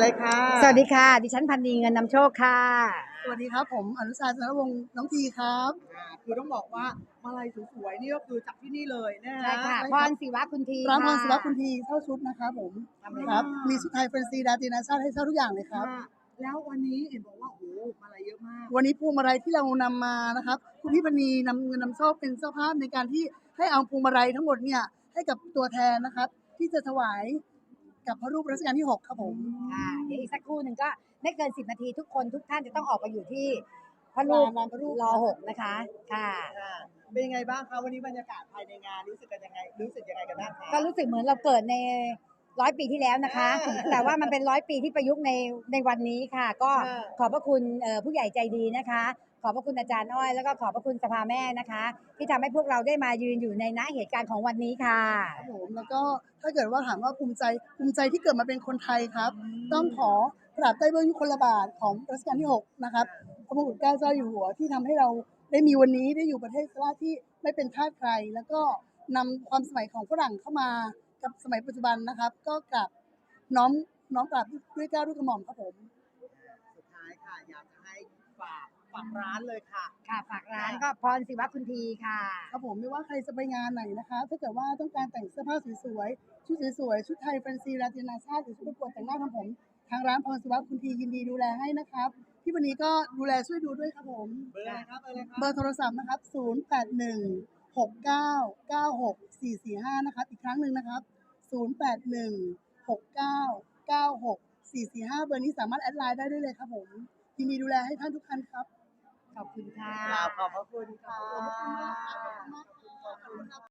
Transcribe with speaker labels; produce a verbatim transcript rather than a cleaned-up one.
Speaker 1: เลยค่ะ
Speaker 2: สวัสดีค่ะดิฉันพันนีเงินนำโชคค่ะ
Speaker 3: สวัสดีครับผมอนุชาชนวงศ์น้องทีครับ
Speaker 1: อ่าคือต้องบอกว่ามาลัยสวยๆนี่ก็คือจากที่นี่เลยนะฮะ
Speaker 2: ใช่ค่ะพรศิวะคุณที
Speaker 3: ร้านพรศิวะ
Speaker 2: ค่ะ
Speaker 3: คุณทีเช่าชุดนะครับผม
Speaker 2: ทำเลย
Speaker 3: ครับมีชุดไทยแฟนซีดาตินาชาติให้เช่าทุกอย่างเลยครับ
Speaker 1: ค่ะแล้ววันนี้เห็นบอกว่าโอ้โหมาลัยเยอะมาก
Speaker 3: วันนี้พวงมาลัยที่เรานำมานะครับคุณพี่ปณีนำเงินนำโชคเป็นเจ้าภาพในการที่ให้เอาพวงมาลัยทั้งหมดเนี่ยให้กับตัวแทนนะครับที่จะถวายกับพระรูปรัชกาลที่หกครับผม
Speaker 2: ค่ะเดี๋ยวอีกสักครู่หนึ่งก็ไม่เกินสิบนาทีทุกคนทุกท่านจะต้องออกไปอยู่ที่พระรูป
Speaker 3: ลานพระรูป
Speaker 2: รอหกนะคะค่ะ
Speaker 1: ค่ะเป็นยังไงบ้างคะวันนี้บรรยากาศภายในงานรู้สึกกันยังไงรู้สึกยังไงกันบ้างคะ
Speaker 2: ก็รู้สึกเหมือนเราเกิดในร้อยปีที่แล้วนะคะ
Speaker 1: อ่า
Speaker 2: แต่ว่ามันเป็นร้อยปีที่ประยุกต์ในในวันนี้ค่ะ ก็
Speaker 1: อ่า
Speaker 2: ขอบพระคุณเอ่อผู้ใหญ่ใจดีนะคะ ขอบพระคุณอาจารย์อ้อยแล้วก็ขอบพระคุณสภาแม่นะคะ ที่ทำให้พวกเราได้มายืนอยู่ในณเหตุการณ์ของวันนี้ค่ะ
Speaker 3: ครับผมแล้วก็ถ้าเกิดว่าถามว่าภูมิใจภูมิใจที่เกิดมาเป็นคนไทยครับ ต้องขอกราบใต้เบื้องยุคลบาทของรัชกาลที่หกนะครับพระมงกุฎเกล้าเจ้าอยู่หัวที่ทำให้เราได้มีวันนี้ได้อยู่ประเทศสลาที่ไม่เป็นทาสใคร แล้วก็นำความสมัยของฝรั่งเข้ามากับสมัยปัจจุบันนะครับ ก็กราบน้อมน้อมกราบด้วยเกล้าด้วยกระหม่อมครับผม
Speaker 1: สุดท้ายค่ะอยากจะให้ฝากฝากร้านเลยค่ะ
Speaker 2: ค่ะฝากร้านก็พรศิวะคุณทีค่ะ
Speaker 3: ครับผมไม่ว่าใครจะไปงานไหนนะคะถ้าเกิดว่าต้องการแต่งเสื้อผ้าสวยๆชุดสวยๆชุดไทยแฟนซีราตินาชาติหรือชุดประกวดแต่งหน้าทำผมทางร้านพรศิวะคุณทียินดีดูแลให้นะครับพี่วันนี้ก็ดูแลช่วยดูด้วยครับผม
Speaker 1: เบอร์อะไรครับเบอร์อะไรครับ
Speaker 3: เบอร์โทรศัพท์นะครับศูนย์ แปด หนึ่ง หก เก้า เก้า หก สี่ สี่ ห้านะครับอีกครั้งหนึ่งนะครับศูนย์ แปด หนึ่ง หก เก้า เก้า หก สี่ สี่ ห้าเบอร์นี้สามารถแอดไลน์ได้ด้วยเลยครับผมยินดีดูแลให้ท่านทุกท่านครับ
Speaker 2: ขอบคุณค่ะ
Speaker 1: กราบขอบพระคุณค่ะ
Speaker 3: ขอบคุณมากครับขอบคุณมากครับ